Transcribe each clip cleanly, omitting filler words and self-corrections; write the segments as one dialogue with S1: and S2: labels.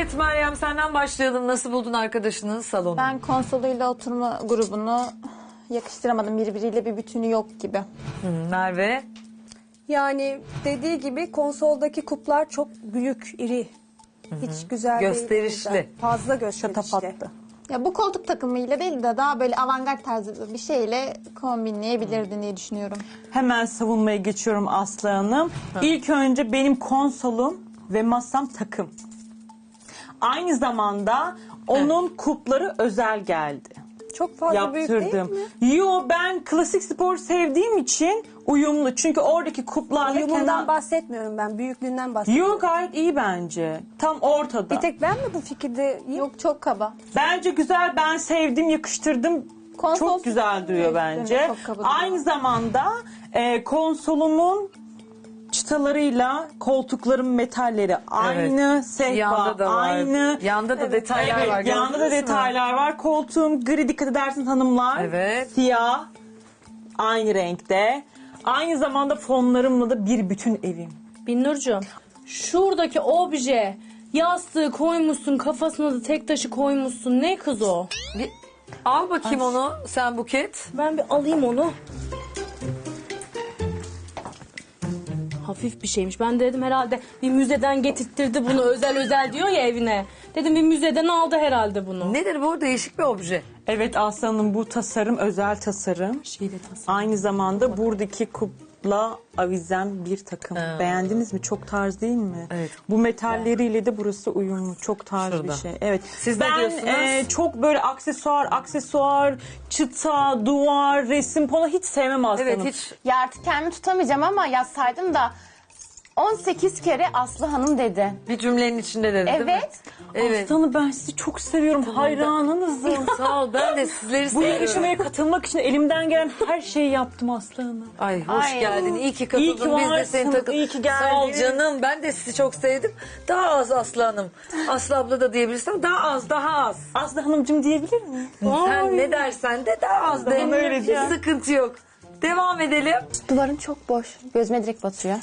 S1: Evet Meryem, senden başlayalım. Nasıl buldun arkadaşının salonu?
S2: Ben konsoluyla oturma grubunu yakıştıramadım. Birbiriyle bir bütünü yok gibi.
S1: Merve?
S3: Yani dediği gibi konsoldaki kuplar çok büyük, iri. Hiç güzel
S1: Gösterişli.
S3: değil. Fazla gösterişli.
S2: Şatafatlı. Ya bu koltuk takımıyla değil de daha böyle avantgard tarzı bir şeyle kombinleyebilirdin diye düşünüyorum.
S4: Hemen savunmaya geçiyorum Aslı Hanım. İlk önce benim konsolum ve masam takım. Aynı zamanda onun kupları özel geldi.
S3: Çok fazla büyük değil
S4: Yaptırdım.
S3: mi?
S4: Yo, ben klasik spor sevdiğim için uyumlu. Çünkü oradaki kuplarla
S3: Uyumundan bahsetmiyorum ben. Büyüklüğünden bahsediyorum.
S4: Yo, gayet iyi bence. Tam ortada.
S3: Bir tek ben mi bu fikirde?
S2: Yok, çok kaba.
S4: Bence güzel, ben sevdim, yakıştırdım.
S2: Konsol
S4: Çok güzel duruyor bence.
S2: çok kaba duruyor.
S4: Aynı zamanda konsolumun çıtalarıyla koltukların metalleri aynı, sehpa
S1: Yanda da var.
S4: aynı.
S1: Yanda da detaylar
S4: Evet,
S1: var.
S4: yanda da
S1: gördünüz mü?
S4: detaylar var. Koltuğum gri, dikkat edersiniz hanımlar.
S1: Evet.
S4: Siyah, aynı renkte. Aynı zamanda fonlarımla da bir bütün evim.
S5: Binnurcuğum, şuradaki obje, yastığı koymuşsun, kafasına da tek taşı koymuşsun. Ne kız o?
S1: Bir- Al bakayım onu sen Buket.
S5: Ben bir alayım onu. Hafif bir şeymiş. Ben de dedim herhalde bir müzeden getirttirdi bunu. Özel diyor ya evine. Dedim bir müzeden aldı herhalde bunu.
S1: Nedir bu? Değişik bir obje.
S4: Evet Aslı Hanım, bu tasarım özel tasarım. Aynı zamanda buradaki kupla avizem bir takım. Beğendiniz mi? Çok tarz değil mi?
S1: Evet.
S4: Bu metalleriyle de burası uyumlu. Çok tarz
S1: Şurada.
S4: bir şey. Evet.
S1: Siz ne diyorsunuz?
S4: Çok böyle aksesuar, çıta, duvar, resim falan hiç sevmem Aslı
S1: Evet
S4: Hanım.
S1: hiç.
S6: Ya artık kendimi tutamayacağım ama yazsaydım da 18 kere Aslı Hanım dedi.
S1: Bir cümlenin içinde dedi değil mi?
S6: Evet.
S1: Evet.
S4: Aslı Hanım, ben sizi çok seviyorum. Hayranınızım.
S1: Sağ ol, ben de sizleri
S4: Bu
S1: seviyorum.
S4: yarışmaya katılmak için elimden gelen her şeyi yaptım Aslı Hanım.
S1: Ay hoş
S6: Ay.
S1: geldin. İyi ki
S4: İyi
S1: katıldın.
S4: ki
S1: Biz de
S4: varsın,
S1: seni takıl.
S4: iyi ki geldin.
S1: Sağ ol canım. Ben de sizi çok sevdim. Daha az Aslı Hanım. Aslı abla da diyebilirsin. Daha az, daha az.
S4: Aslı Hanımcığım diyebilir miyim?
S1: Sen ne dersen de daha az de.
S4: öyle
S1: Hiç
S4: diyor.
S1: sıkıntı yok. Devam edelim.
S6: Duvarın çok boş. Gözüme direkt batıyor.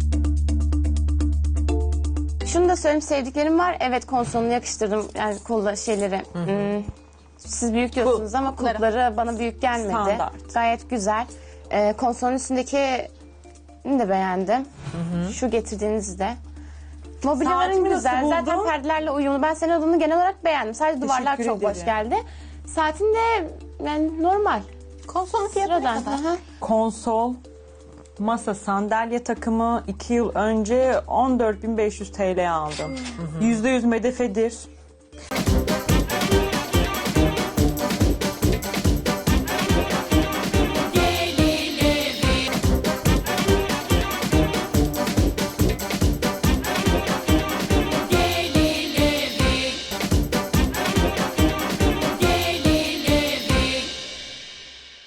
S6: Şunu da söyleyeyim, sevdiklerim var. Evet, konsolunu yakıştırdım. Yani kolla şeyleri. Siz büyük diyorsunuz ama kulpları bana büyük gelmedi.
S4: Standart.
S6: Gayet güzel. Konsolun üstündeki de beğendim. Şu getirdiğinizi de. Mobilyaların
S4: Saatimi
S6: güzel.
S4: nasıl
S6: Zaten
S4: buldun?
S6: perdelerle uyumlu. Ben senin odunu genel olarak beğendim. Sadece duvarlar
S4: Teşekkür
S6: çok boş
S4: ederim.
S6: geldi. Saatin de yani normal.
S2: Konsolun fiyatı ne
S6: Sıradan.
S2: kadar?
S6: Hı hı.
S4: Konsol, masa, sandalye takımı 2 yıl önce 14.500 TL aldım. %100 medefedir.